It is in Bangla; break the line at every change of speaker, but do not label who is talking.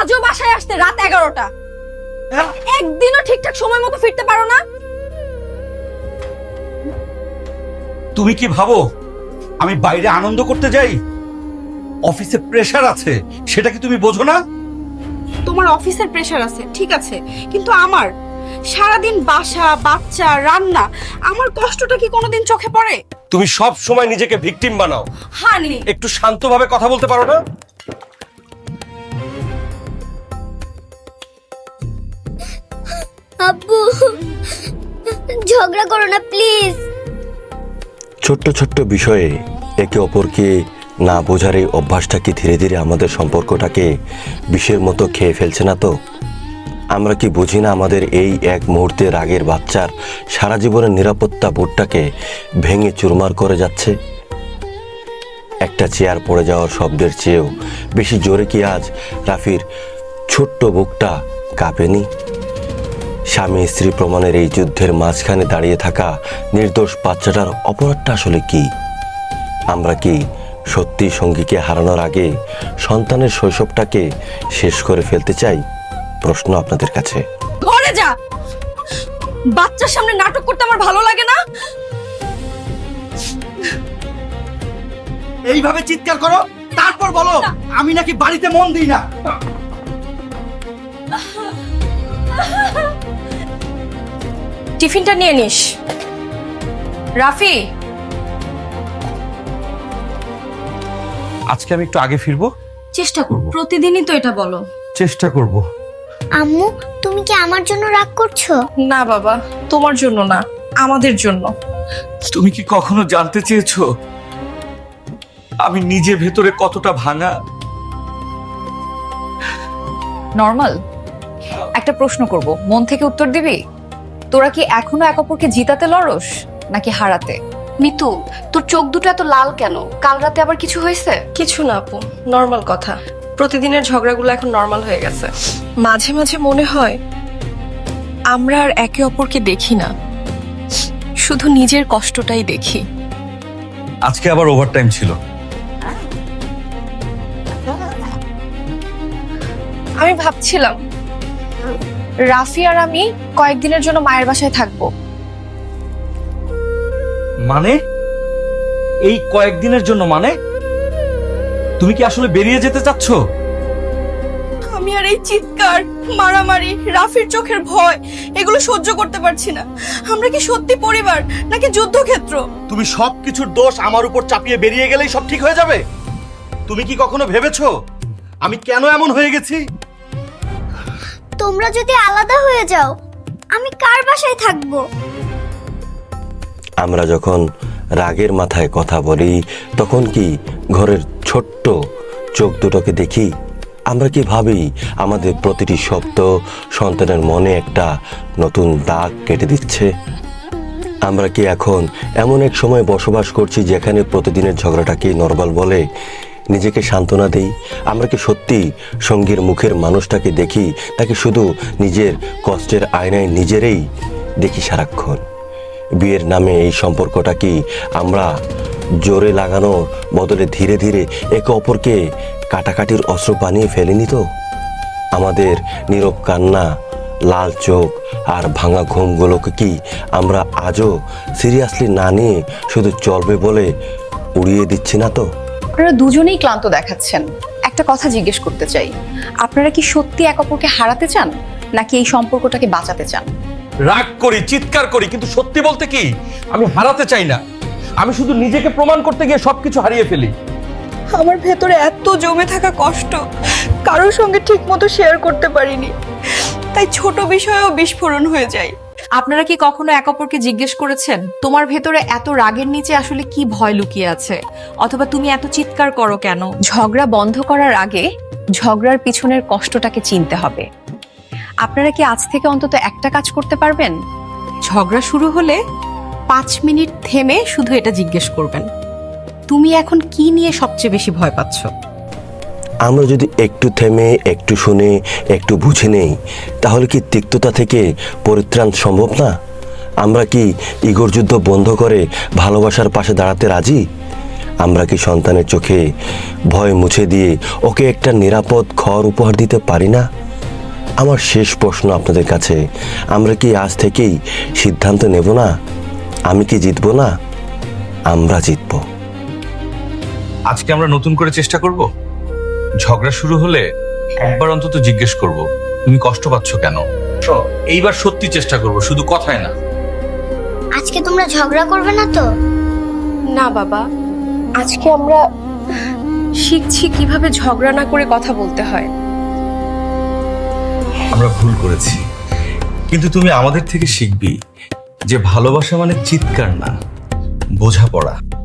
আজও বাসায় আসতে রাত 11টা। একদিনও ঠিকঠাক সময় মতো ফিরতে পারো না।
তুমি কি ভাবো আমি বাইরে আনন্দ করতে যাই? অফিসে প্রেসার আছে, সেটা কি তুমি বোঝো না?
তোমার অফিসের প্রেসার আছে ঠিক আছে, কিন্তু আমার সারাদিন বাসা, বাচ্চা, রান্না, আমার কষ্টটা কি কোনোদিন চোখে পড়ে?
তুমি সব সময় নিজেকে ভিকটিম বানাও।
হানি,
একটু শান্তভাবে কথা বলতে পারো না?
আব্বু ঝগড়া করো না প্লিজ।
ছোট্ট ছোট্ট বিষয়ে একে অপরকে না বোঝার এই অভ্যাসটা কি ধীরে ধীরে আমাদের সম্পর্কটাকে বিষের মতো খেয়ে ফেলছে না তো? আমরা কি বুঝি না আমাদের এই এক মুহূর্তে রাগের বাচ্চার সারা জীবনের নিরাপত্তা বোর্ডটাকে ভেঙে চুরমার করে যাচ্ছে? একটা চেয়ার পড়ে যাওয়ার শব্দের চেয়েও বেশি জোরে কি আজ রাফির ছোট্ট বুকটা কাঁপেনি? স্বামী স্ত্রী প্রমাণের এই যুদ্ধের মাঝখানে দাঁড়িয়ে থাকা নির্দোষ বাচ্চাটার অপরাধটা আসলে কি? আমরা কি সত্যি সঙ্গীকে হারানোর আগে সন্তানের শৈশবটাকে শেষ করে ফেলতে চাই? প্রশ্ন আপনাদের কাছে।
ঘরে যা। বাচ্চার সামনে নাটক করতে আমার ভালো লাগে না।
এইভাবে চিৎকার করো, তারপর বলো আমি নাকি বাড়িতে মন দিই না।
টিফিনটা নিয়ে নিস। রাফি,
আজকে আমি একটু আগে ফিরবো।
চেষ্টা করব। প্রতিদিনই তো এটা বলো।
চেষ্টা করব।
আম্মু তুমি কি আমার জন্য রাগ করছো?
না বাবা, তোমার জন্য না, আমাদের জন্য।
তুমি কি কখনো জানতে চেয়েছো আমি নিজে ভেতরে কতটা ভাঙা?
নরমাল একটা প্রশ্ন করব, মন থেকে উত্তর দিবি? তোরা কি এখনো এক অপরকে জিতাতে লড়স নাকি হারাতে?
মিতু, তোর চোখ দুটো এত লাল কেন? কাল রাতে আবার কিছু হয়েছে?
কিছু না আপু, নর্মাল কথা। প্রতিদিনের ঝগড়াগুলো এখন নর্মাল হয়ে গেছে। মাঝে মাঝে মনে হয় আমরা আর একে অপরকে দেখি না, শুধু নিজের কষ্টটাই দেখি।
আজকে আবার ওভারটাইম ছিল।
আমি ভাবছিলাম রাফি আর আমি কয়েকদিনের জন্য মায়ের বাসায় থাকবো।
মানে এই কয়েকদিনের জন্য? মানে তুমি কি আসলে বেরিয়ে যেতে চাচ্ছ?
আমি আর এই চিৎকার, মারামারি, রাফির চোখের ভয়, এগুলো সহ্য করতে পারছি না। আমরা কি সত্যি পরিবার নাকি যুদ্ধক্ষেত্র?
তুমি সবকিছুর দোষ আমার উপর চাপিয়ে বেরিয়ে গেলেই সব ঠিক হয়ে যাবে? তুমি কি কখনো ভেবেছো আমি কেন এমন হয়ে গেছি?
তোমরা যদি আলাদা হয়ে যাও আমি কার বাসায় থাকবো?
আমরা যখন রাগের মাথায় কথা বলি তখন কি ঘরের ছোট্ট চোখ দুটোকে দেখি? আমরা কি ভাবি আমাদের প্রতিটি শব্দ সন্তানের মনে একটা নতুন দাগ কেটে দিচ্ছে? আমরা কি এখন এমন এক সময় বসবাস করছি যেখানে প্রতিদিনের ঝগড়াটাকে নরমাল বলে নিজেকে সান্ত্বনা দেই? আমরা কি সত্যি সঙ্গীর মুখের মানুষটাকে দেখি, তাকে শুধু নিজের কষ্টের আয়নায় নিজেরই দেখি সারাক্ষণ? বিয়ের নামে এই সম্পর্কটা কি আমরা জোরে লাগানোর বদলে ধীরে ধীরে একে অপরকে কাটাকাটির অস্ত্র বানিয়ে ফেলিনি তো? আমাদের নীরব কান্না, লাল চোখ আর ভাঙা ঘুমগুলোকে কি আমরা আজও সিরিয়াসলি না নিয়ে শুধু চলবে বলে উড়িয়ে দিচ্ছি না তো?
আপনারা দুজনেই ক্লান্ত দেখাচ্ছেন। একটা কথা জিজ্ঞেস করতে চাই, আপনারা কি সত্যি এক অপরকে হারাতে চান নাকি এই সম্পর্কটাকে বাঁচাতে চান?
রাগ করি, চিৎকার করি, কিন্তু সত্যি বলতে কি আমি হারাতে চাই না। আমি শুধু নিজেকে প্রমাণ করতে গিয়ে সবকিছু হারিয়ে ফেলি।
আমার ভেতরে এত জমে থাকা কষ্ট কারোর সঙ্গে ঠিক মতো শেয়ার করতে পারিনি, তাই ছোট বিষয়েও বিস্ফোরণ হয়ে যায়।
আপনারা কি কখনো এক অপরকে জিজ্ঞেস করেছেন তোমার ভেতরে এত রাগের নিচে আসলে কি ভয় লুকিয়ে আছে, অথবা তুমি এত চিৎকার করো কেন? ঝগড়া বন্ধ করার আগে ঝগড়ার পিছনের কষ্টটাকে চিনতে হবে। আপনারা কি আজ থেকে অন্তত একটা কাজ করতে পারবেন? ঝগড়া শুরু হলে 5 মিনিট থেমে শুধু এটা জিজ্ঞেস করবেন, তুমি এখন কি নিয়ে সবচেয়ে বেশি ভয় পাচ্ছ?
আমরা যদি একটু থেমে, একটু শুনে, একটু বুঝে নেই, তাহলে কি তিক্ততা থেকে পরিত্রাণ সম্ভব না? আমরা কি ইগোর যুদ্ধ বন্ধ করে ভালোবাসার পাশে দাঁড়াতে রাজি? আমরা কি সন্তানের চোখে ভয় মুছে দিয়ে ওকে একটা নিরাপদ ঘর উপহার দিতে পারি না? আমার শেষ প্রশ্ন আপনাদের কাছে, আমরা কি আজ থেকেই সিদ্ধান্ত নেব না? আমি কি জিতবো না? আমরা জিতবো।
আজকে আমরা নতুন করে চেষ্টা করব। ঝগড়া শুরু হলে একবার অন্তত জিজ্ঞেস করব, তুমি কষ্ট পাচ্ছ কেন? এইবার সত্যি চেষ্টা করব, শুধু কথায় না।
আজকে তোমরা ঝগড়া করবে না তো?
না বাবা, আজকে আমরা শিখছি কিভাবে ঝগড়া না করে কথা বলতে হয়।
আমরা ভুল করেছি, কিন্তু তুমি আমাদের থেকে শিখবি যে ভালোবাসা মানে চিৎকার না, বোঝাপড়া।